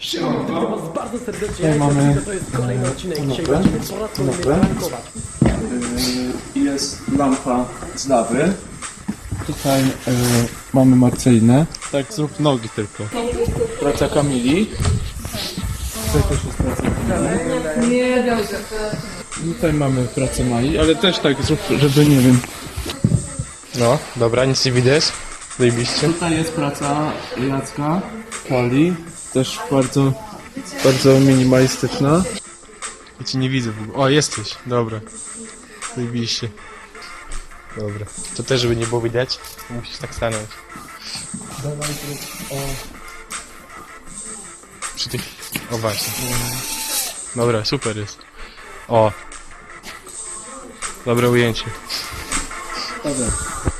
Witam was bardzo serdecznie, Tutaj mamy to jest kolejny odcinek, dzisiaj będziemy po raz kolejny prankować. Jest lampa z lawy. Tutaj mamy Marcelinę. Tak, zrób nogi tylko. Praca Kamili. Tutaj też jest praca Kamili. Nie, dobrze. Tutaj mamy pracę Mai, ale też tak zrób, żeby nie wiem. No, dobra, nic nie widać. Zajebiście. Tutaj jest praca Jacka, Kali. Też bardzo minimalistyczna. Ja cię nie widzę w ogóle. O, jesteś. Dobra. Zajebiście. Dobra. To też, żeby nie było widać, musisz tak stanąć. Dawaj zrób Przy tych... O, właśnie. Dobra, super jest. O. Dobre ujęcie. Dobra.